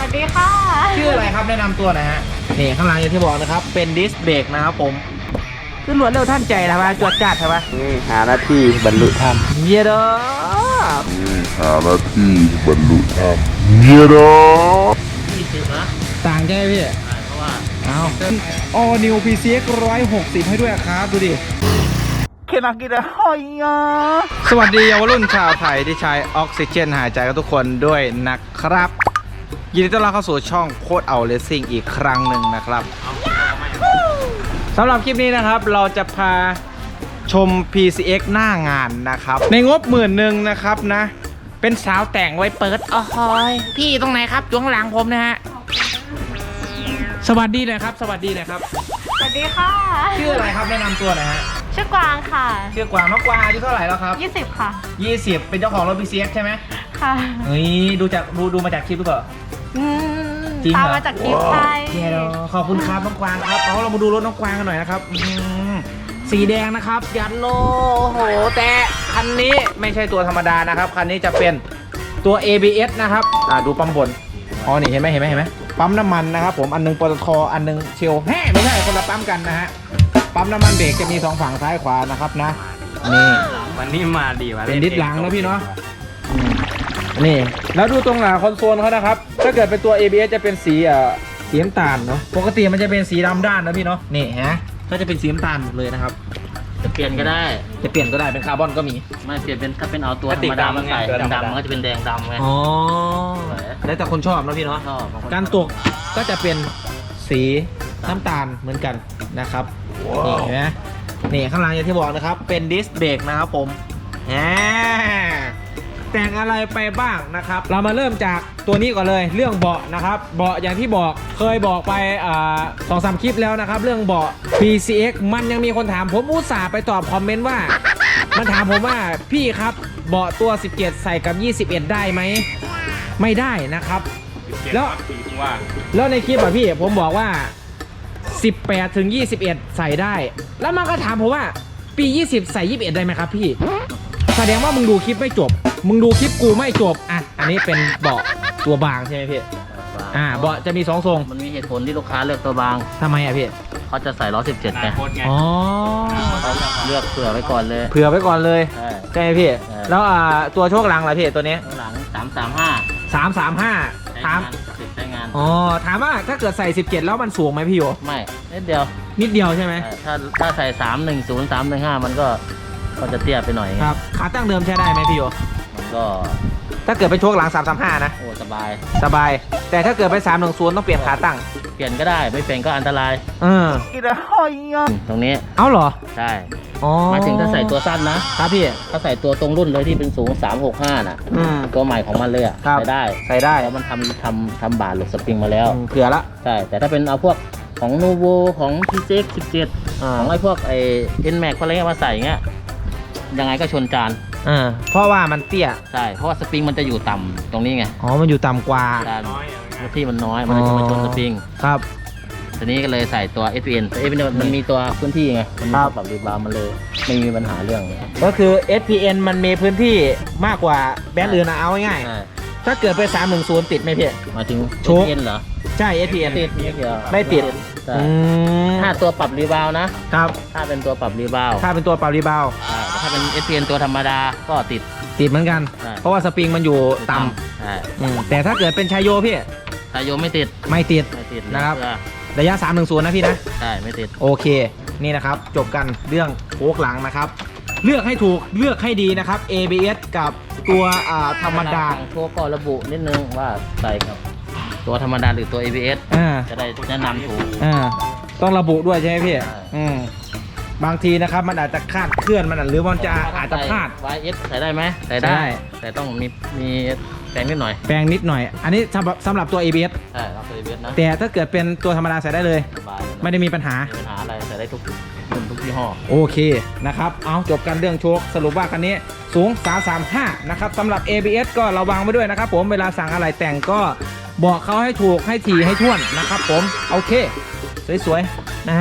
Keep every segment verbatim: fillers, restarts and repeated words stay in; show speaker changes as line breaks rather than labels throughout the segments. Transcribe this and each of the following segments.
วัสดีค่ะ
ชื่ออะไรครับแนะนำตัวหน่อยฮะนี่ข้างหลังอย่างที่บอกนะครับเป็นดิสเบรกนะครับผมขึ้นรวดเร็วท่านใจนะว่าจวดจัดใช่ปะ
หาหน้าที่บรรลุธรรม
เยอะเด้อ
หาหน้าที่บรรลุธรรมเยอะเด้อ
ยี่สิบนะต่างใช่ไหมพี่เพราะว่าเอาออนิวพีซีเอ็กร้อยหกสิบให้ด้วยครับดูดิเคนักกินอะไรอ่ะสวัสดีเยาวรุ่นชาวไทยที่ใช้ออกซิเจนหายใจกับทุกคนด้วยนะครับยินดีต้อนรับเข้าสู่ช่องโคตรเอาเลสซิ่งอีกครั้งหนึ่งนะครับสำหรับคลิปนี้นะครับเราจะพาชม พี ซี เอ็กซ์ หน้างานนะครับในงบหมื่นหนึ่งนะครับนะเป็นสาวแต่งไว้เปิดอ๋อยพี่ตรงไหนครับจ้วงหลังผมนะฮะสวัสดีเลยครับสวัสดีเลยครับ
สวัสดีค่ะ
ชื่ออะไรครับแนะนำตัวหน่อยฮะ
ชื่อกวางค่ะ
ชื่อกวางน้องกวางอายุเท่าไหร่แล้วครับ
ยี่สิบค่ะ
ยี่สิบเป็นเจ้าของรถ พี ซี เอ็กซ์ ใช่ไหม
ค่ะ
เฮ้ยดูจากดูดูมาจากคลิปหรือเปล่า
จริงเหรอตามมาจากคลิปใช่
ขอบคุณครับน้องกวางครับเอาเรามาดูรถน้องกวางกันหน่อยนะครับสีแดงนะครับยันโลโหแต่คันนี้ไม่ใช่ตัวธรรมดานะครับคันนี้จะเป็นตัว เอ บี เอส นะครับอ่าดูปั๊มบนอ๋อนี่เห็นไหมเห็นไหมเห็นไหมปั๊มน้ำมันนะครับผมอันนึงปตทอันนึงเชลแฮ่ไม่ใช่คนละปั๊มกันนะฮะปั๊มน้ำมันเบรกจะมีสองฝั่งซ้ายขวานะครับนะนี่
วันนี้มาดีวะ
เป็นดิสหลังนะพี่เนาะนี่แล้วดูตรงหลังคอนโซลเขานะครับถ้าเกิดเป็นตัว เอ บี เอส จะเป็นสีอ่าสีน้ำตาลเนาะปกติมันจะเป็นสีดำด้านนะพี่เนาะนี่ฮะก็จะเป็นสีน้ำตาลหมดเลยนะครับ
จะเปลี่ยนก็ได้
จะเปลี่ยนก็ได้เป็นคาร์บอนก็มี
ไม่เปลี่ยนเป็นถ้าเป็นเอาตัวธรรมดามาใส่ดำมันก็จะเป็นแดงดำไง
อ๋อแล้วแต่คนชอบนะพี่เนาะการตกก็จะเป็นสีน้ำตาลเหมือนกันนะครับนี่เห็นไหมนี่ข้างหลังอย่างที่บอกนะครับเป็นดิสเบรกนะครับผมแหมแต่งอะไรไปบ้างนะครับเรามาเริ่มจากตัวนี้ก่อนเลยเรื่องเบาะนะครับเบาะอย่างที่บอกเคยบอกไปอ่าสองสามคลิปแล้วนะครับเรื่องเบาะ พี ซี เอ็กซ์ มันยังมีคนถามผมอุตส่าห์ไปตอบคอมเมนต์ว่ามันถามผมว่าพี่ครับเบาะตัวสิบเจ็ดใส่กับยี่สิบเอ็ดได้ไหมไม่ได้นะครับแล้วแล้วในคลิปอะพี่ผมบอกว่าสิบแปดถึงยี่สิบเอ็ดใส่ได้แล้วมันก็ถามผมว่าปียี่สิบใส่ยี่สิบเอ็ดได้ไหมครับพี่แสดงว่ามึงดูคลิปไม่จบมึงดูคลิปกูไม่จบอ่ะอันนี้เป็นเบาะตัวบางใช่ไหมพี่อ่าเบาะจะมีสองทรง
มันมีเหตุผลที่ลูกค้าเลือกตัวบาง
ทำไมอ่ะพี่
เขาจะใส่ล้อสิบเจ็ดไง
อ๋อ
เขาเลือกเผื่อไว้ก่อนเลย
เผื่อไว้ก่อนเลยใช่ไหมพี่แล้วอ่าตัวโชคหลังล่ะพี่ตัวนี้
หลังสามสามห้า
สามสามห้าถาม
ใช้งาน
อ๋อถามว่าถ้าเกิดใส่สิบเจ็ดแล้วมันสูงไหมพี่โย
ไม่นิดเดียว
นิดเดียวใช่ไหม
ถ้าถ้าใส่สามหนึ่งศูนย์สามหนึ่งห้ามันก็ก็จะเตี้ยไปหน่อย
ครับขาตั้งเดิมใช้ได้ไหมพี่โย
มันก็
ถ้าเกิดเป็นโชคหลังสามสามห้านะ
โอ้สบาย
สบายแต่ถ้าเกิดไปสามหนึ่งศูนย์ต้องเปลี่ยนขาตั้ง
เปลี่ยนก็ได้ไม่เปลี่ยนก็อันตราย
เออ
ตรงนี้
เอ้าเหรอ
ใช่หมายถึงถ้าใส่ตัวสั้นนะครับ
พี่
ถ้าใส่ตัวตรงรุ่นเลยที่เป็นสูงสามหกห้าน่ะตัวใหม่ของมันเลยอ่ะใส่ได้
ใส่ได้
แล้วมันทำทำทำบาทหรือสปริงมาแล้ว
เผื่อละ
ใช่แต่ถ้าเป็นเอาพวกของนูโวของ พี ซี เอ็กซ์ สิบเจ็ดของไอ้พวกไอ้ เอ็น แม็กซ์ อะไรเงี้ยมาใส่เงี้ยยังไงก็ชนจาน
อ่าเพราะว่ามันเตี้ย
ใช่เพราะว่าสปริงมันจะอยู่ต่ำตรงนี้ไง
อ๋อมันอยู่ต่ำกว่า
ที่มันน้อยมันจะมาชนสปริง
ครับ
ทีนี้ก็เลยใส่ตัว เอส พี เอ็น เอส พี เอ็น มันมีตัวพื้นที่ไงมันมีปรับรีบาวมันเลยไม่มีปัญหาเรื่อง
ก็คือ เอส พี เอ็น มันมีพื้นที่มากกว่าแบรนด์อื่นนะเอาง่ายๆถ้าเกิดไปสามหนึ่งศูนย์ติดไหมพี่
มาถึง
โชค
เอส พี เอ็น เหรอ
ใช่ เอส พี เอ็น
ติดไม่เกี่ยว
ไม่ติด
ถ้าตัวปรับรีบาวนะครับถ้าเป็นตัวปรับรีบาว
ถ้าเป็นตัวปรับรีบาว
แต่ถ้าเป็น เอส พี เอ็น ตัวธรรมดาก็ติด
ติดเหมือนกันเพราะว่าสปริงมันอยู่ต่ำแต่ถ้าเกิดเป็นชายโยพี่
ชายโยไม่ติด
ไม่ติดนะครับระยะสามหนึ่งศูนย์นะพี่นะ
ใช่ไม่ติด
โอเคนี่นะครับจบกันเรื่องโค้กหลังนะครับเลือกให้ถูกเลือกให้ดีนะครับ เอ บี เอส กับตัวธรรมดา
โค้กก็ระบุนิดนึงว่าใส่กับตัวธรรมดาหรือตัว เอ บี เอส จะได้แนะนำถูก
ต้องระบุด้วยใช่ไหมพี่บางทีนะครับมันอาจจะคาดเคลื่อนมันหรือมันจะอาจจะพลาด
วาย เอส ใส่ได้ไหมใส่ได้แต่ต้องมีมีแปลงนิดหน่อย
แปลงนิดหน่อยอันนี้สำหรับสำหรับตัว เอ บี เอส
ใช่ครับตัว เอ บี เอส นะ
แต่ถ้าเกิดเป็นตัวธรรมดาใส่ได้เลยไม่ได้มีปัญหา
ปัญหาอะไรใส่ได้ทุกรุ่นทุกยี่ห้อ
โอเคนะครับเอาจบกันเรื่องโชคสรุปว่าคันนี้สูงสามสามห้านะครับสำหรับ เอ บี เอส ก็ระวังไว้ด้วยนะครับผมเวลาสั่งอะไรแต่งก็บอกเขาให้ถูกให้ถี่ให้ท่วนนะครับผมโอเคสวยๆนะฮะ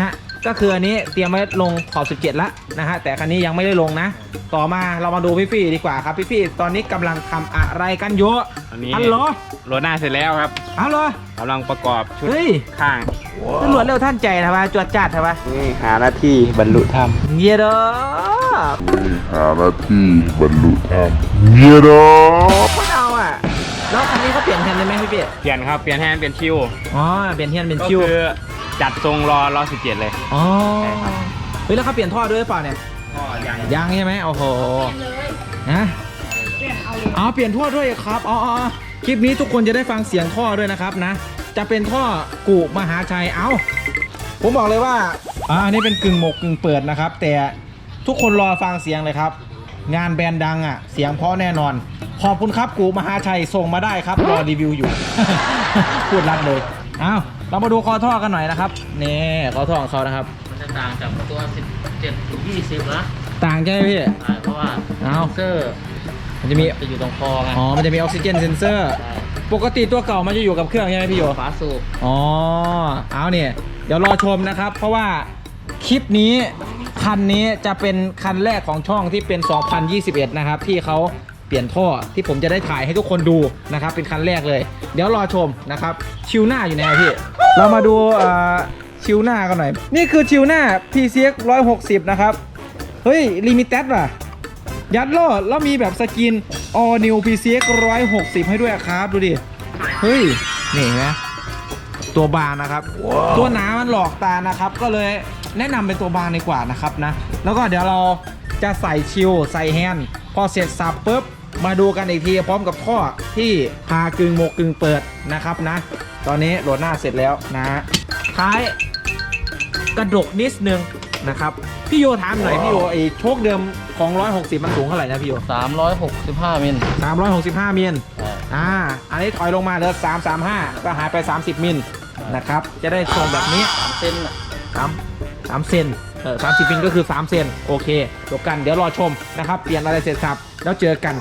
ก็คืออันนี้เตรียมไว้ลงขอบสิบเจ็ดแล้วนะฮะแต่คันนี้ยังไม่ได้ลงนะต่อมาเรามาดูพี่ฟี่ดีกว่าครับพี่ฟี่ตอนนี้กำลังทำอะไรกันอยู่
อันนี้
ฮัลโหล
โรหน้าเสร็จแล้วครับ
ฮัลโหล
กำลังประกอบชุด
เฮ้ย
ข้าง
ตำรวจเร็วท่านใจทำไมจวดจัดทำไม
นี่หาหน้าที่บรรลุธรรม
เงี้ยเด้อ
หาหน้าที่บรรลุธรรมเงี้ยเนาะ
ไม่เอาอ่ะแล้วคันนี้เขาเปลี่ยนแทนได้ไหมพี่ฟี่
เปลี่ยนครับเปลี่ยนแฮนด์เปลี่ยนคิว
อ๋อเปลี่ยนแทนเป็น
ก็
คิว
คือจัดทรงรอรอสิบเจ็ดเลย
อ๋อ
ใช่ครับ
เฮ้ยแล้วเขาเปลี่ยนท่อด้วยหรือเปล่าเนี่ย
ก็ยัง
ยังใช่ไหมโอ้โหนะอ๋อเปลี่ยนท่อด้วยครับอ๋ออ๋อคลิปนี้ทุกคนจะได้ฟังเสียงท่อด้วยนะครับนะ จะเป็นท่อกูมหาชัยเอ้าผมบอกเลยว่าอ่าอันนี้เป็นกึ่งหมกกึ่งเปิดนะครับ แต่ทุกคนรอฟังเสียงเลยครับ งานแบรนด์ดังอ่ะเสียงเพราะแน่นอน ขอบคุณครับกูมหาชัยส่งมาได้ครับรอรีวิวอยู่ พูดรัดเลยเอ้าเรามาดูคอท่อกันหน่อยนะครับนี่คอท่อของเขานะครับ
มันจะต่างจากตัวสิบเจ็ดถึงยี่สิบนะ
ต่างใช่ไหมพี่
ใช่เพราะว่า
เอา
เซอร์
มันจะมี
จะอยู่ตรงคอไง
อ๋อ มันจะมีออกซิเจนเซนเซอร์
ใช่
ปกติตัวเก่ามันจะอยู่กับเครื่องใช่ไหมพี่โย
ฝาสูบ
อ๋อ เอาเนี่ย เดี๋ยวรอชมนะครับ เพราะว่าคลิปนี้คันนี้จะเป็นคันแรกของช่องที่เป็น สองพันยี่สิบเอ็ด นะครับ ที่เขาเปลี่ยนท่อที่ผมจะได้ถ่ายให้ทุกคนดูนะครับ เป็นคันแรกเลย เดี๋ยวรอชมนะครับ ชิวหน้าอยู่ไหนอะพี่ เรามาดูเอ่อชิวหน้ากันหน่อย นี่คือชิวหน้า พี ซี เอ็กซ์ หนึ่งร้อยหกสิบ นะครับ เฮ้ย ลิมิเต็ดว่ะ ยัดโลดแล้วมีแบบสกิน All New พี ซี เอ็กซ์ หนึ่งร้อยหกสิบ ให้ด้วยครับ ดูดิ เฮ้ย นี่เห็นไหมตัวบางนะครับ ตัวหนามันหลอกตานะครับ ก็เลยแนะนำเป็นตัวบางดีกว่านะครับนะ แล้วก็เดี๋ยวเราจะใส่ชิลใส่แฮนด์พอเสร็จสับปุ๊บ มาดูกันอีกทีพร้อมกับท่อที่พากึ่งหมกกึ่งเปิดนะครับนะ ตอนนี้โหลดหน้าเสร็จแล้วนะ ท้ายกระดกนิดนึงนะครับ พี่โยถามหน่อยพี่โยไอ้โชคเดิมของหนึ่งร้อยหกสิบมันสูงเท่าไหร่นะพี่โย
สามร้อยหกสิบห้ามิล
สามร้อยหกสิบห้ามิล
ใช่
อ่า อันนี้ถอยลงมาเหลือสามสามห้าก็หายไปสามสิบมิลนะครับ จะได้ทรงแบบนี้
สามเซนน่ะ
สามสามเซนเออสามสิบมิลก็คือสามเซนโอเคจบกันเดี๋ยวรอชมนะครับ เปลี่ยนอะไรเสร็จสับแล้วเจอกัน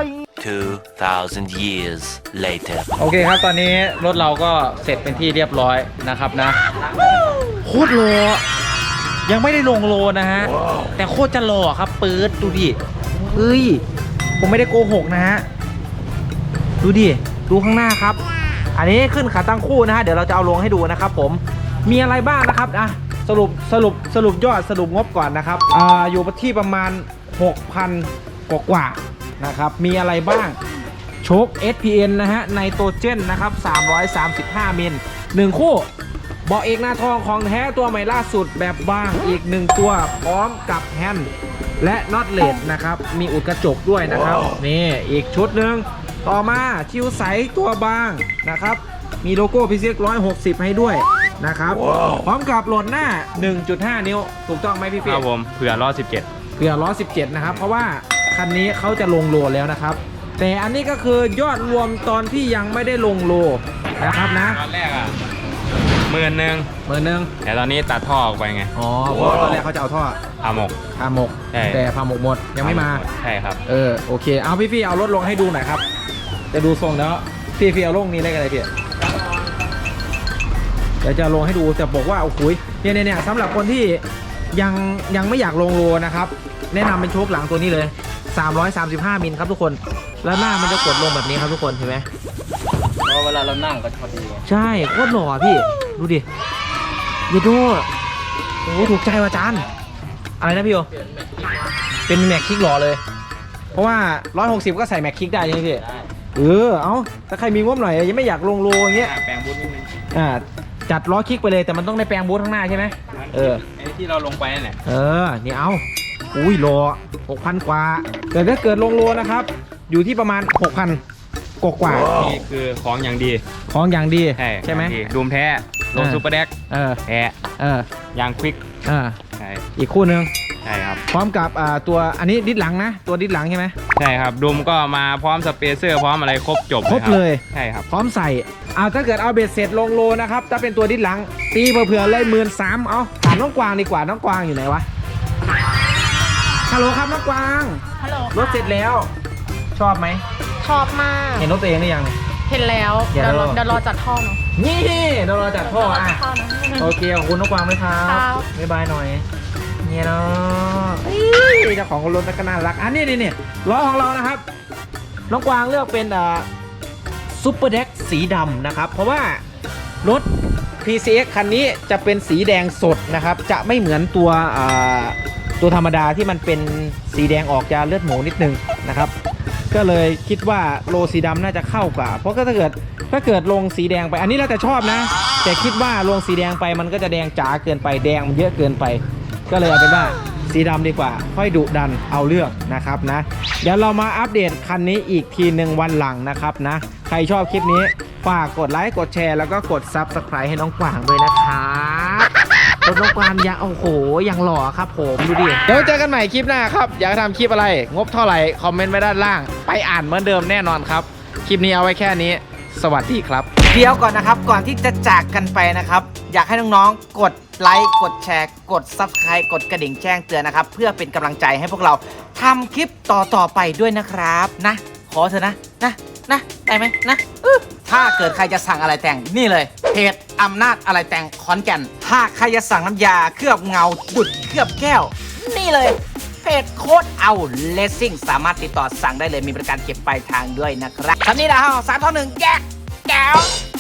two thousand years later.
โอเคครับตอนนี้รถเราก็เสร็จเป็นที่เรียบร้อยนะครับนะโคตรโลยังไม่ได้ลงโลนะฮะแต่โคตรจะหล่อครับปื๊ดดูดิเฮ้ยผมไม่ได้โกหกนะฮะดูดิดูข้างหน้าครับ อันนี้ขึ้นขาตั้งคู่นะฮะเดี๋ยวเราจะเอาลงให้ดูนะครับผมมีอะไรบ้างนะครับอ่ะสรุปสรุปสรุปยอดสรุปงบก่อนนะครับอ่าอยู่ที่ประมาณ หกพัน กว่าๆนะครับมีอะไรบ้างโชค เอส พี เอ็น นะฮะไนโตรเจนนะครับสามร้อยสามสิบห้ามิลหนึ่งคู่เบาะเอกหน้าทองของแท้ตัวใหม่ล่าสุดแบบบางอีกหนึ่งตัวพร้อมกับแฮนด์และน็อตเลสนะครับมีอุดกระจกด้วยนะครับนี่อีกชุดหนึ่งต่อมาชิวใสตัวบางนะครับมีโลโก้ พี ซี เอ็กซ์ หนึ่งร้อยหกสิบ ให้ด้วยนะครับพร้อมกับโหลดหน้า หนึ่งจุดห้า นิ้วถูกต้องไหมพี่
ค
เฟีย
รับผมเผื่อรอสิบเจ็ด
เผื่อล้อสิบเจ็ดนะครับเพราะว่าคันนี้เขาจะลงโลแล้วนะครับแต่อันนี้ก็คือยอดรวมตอนที่ยังไม่ได้ลงโลนะครับนะ
ตอนแรกอ่ะหมื่นหนึ่ง
หมื่นหนึ่ง
แต่ตอนนี้ตัดท่อออกไปไง
อ๋อเพราะว่าตอนแรกเขาจะเอาท่อ
อาหมก
พาหมก
ใช่
แต่พาหมกหมดยังไม่มา
ใช่ครับ
เออโอเคเอาพี่พี่เอารถลงให้ดูหน่อยครับจะดูทรงแล้วพี่พี่เอาลงนี้ได้กันเลยพี่เดี๋ยวจะลงให้ดูแต่บอกว่าโอ้โหเนี่ยเนี่ยสำหรับคนที่ยังยังไม่อยากลงโลนะครับแนะนำเป็นโชคหลังตัวนี้เลยสามร้อยสามสิบห้ามิลครับทุกคนแล้วหน้ามันจะกดลงแบบนี้ครับทุกคนเห็นไหม
เพราะเวลาเรานั่งก็พอดี
ใช่โคตรหล่อพี่ดูดิเยดูโอ้โหถูกใจว่ะจานอะไรนะพี่โอ
เปลี่ยนแม็กซ์
เป็นแม็กคิกหล่อเลย เพราะว่าหนึ่งร้อยหกสิบก็ใส่แม็กคิกได้ใช่ไหมพี่
ได้
เออเอาถ้าใครมีงบหน่อยยังไม่อยากลงโลอย่างเงี้ย
แปลงบูทนิดนึง
อ่าจัดล้อคิกไปเลยแต่มันต้องได้แปลงบูทข้างหน้าใช่ไหมเออ
ไอ้ที่เราลงไปนั่นแหละ
เออนี่เอาอุ้ยโลหกพันกว่าแต่ถ้าเกิดลงโลนะครับอยู่ที่ประมาณหกพันกว่ากว่า
นี่คือของอย่างดี
ของอย่างดี
ใช่
ใช่ไหม
อย่างดีดูมแท้ลง
เออ
ซูเปอร์แดก
เออ
แท้
เออย
างควิก
เออ
ใช่
อีกคู่หนึ่ง
ใช่ครับ
พร้อมกับอ่าตัวอันนี้ดิสหลังนะตัวดิสหลังใช่ไหม
ใช่ครับดุมก็มาพร้อมสเปเซอร์พร้อมอะไรครบจบ
ครบเลย
ใช่ครับ
พร้อมใส่เอาถ้าเกิดเอาเบ็ดเสร็จลงโลนะครับถ้าเป็นตัวดิสหลังตีเผื่อๆเลยหมื่นสามเอาถามน้องกวางดีกว่าน้องกวางอยู่ไหนวะฮัลโหลครับน้องกวาง
ฮัลโหล
รถเสร็จแล้ว ชอบไหม
ชอบมาก
เห็นรถตัวเองหรือยัง
ยเห็นแล้ว
เดี๋
เดี๋
ย
ยว ว
เรา
รอเดี๋ยวรอจัดท่อเนาะ
นี่เดี๋ยวเราจัดพ่ออ่ะ
จัดท่อนะ
โอเคขอบคุณน้องกวางด้วยครับ
ครับ
บ๊ายบายหน่อยเนี่ยเนาะเอ้ยเจ้าของรถก็น่ารักอันนี้นี่นี่ล้อของเรานะครับน้องกวางเลือกเป็นอ่าซูเปอร์เด็กสีดำนะครับเพราะว่ารถ พี ซี เอ็กซ์ คันนี้จะเป็นสีแดงสดนะครับจะไม่เหมือนตัวอ่าตัวธรรมดาที่มันเป็นสีแดงออกจะเลือดหมูนิดนึงนะครับก็เลยคิดว่าโลสีดำน่าจะเข้ากว่าเพราะก็ถ้าเกิดถ้าเกิดลงสีแดงไปอันนี้เราจะชอบนะแต่คิดว่าลงสีแดงไปมันก็จะแดงจ๋าเกินไปแดงมันเยอะเกินไปก็เลยเอาเป็นว่าสีดำดีกว่าค่อยดุดันเอาเลือกนะครับนะเดี๋ยวเรามาอัปเดตคันนี้อีกทีหนึ่งวันหลังนะครับนะใครชอบคลิปนี้ฝากกดไลค์กดแชร์แล้วก็กด ซับสไครบ์ ให้น้องกวางด้วยนะครับรถน้องกวางยังโอ้โหยังหล่อครับผมดูดิเดี๋ยวเจอกันใหม่คลิปหน้าครับอยากทำคลิปอะไรงบเท่าไหร่คอมเมนต์ไว้ด้านล่างไปอ่านเหมือนเดิมแน่นอนครับคลิปนี้เอาไว้แค่นี้สวัสดีครับเดี๋ยวก่อนนะครับก่อนที่จะจากกันไปนะครับอยากให้น้องๆกดไลค์กดแชร์กด ซับสไครบ์ กดกระดิ่งแจ้งเตือนนะครับเพื่อเป็นกำลังใจให้พวกเราทำคลิปต่อๆไปด้วยนะครับนะขอเถอะนะนะนะได้ไหมนะอื้อถ้าเกิดใครจะสั่งอะไรแต่งนี่เลยเพจอำนาจอะไรแต่งขอนแก่นถ้าใครจะสั่งน้ำยาเคลือบเงาดุดเคลือบแก้วนี่เลยเพจโค้ดเอาเลสซิ่งสามารถติดต่อสั่งได้เลยมีบริการเก็บปลายทางด้วยนะครับคำนี้นะฮะสามท่อหนึ่งแก้แก้ว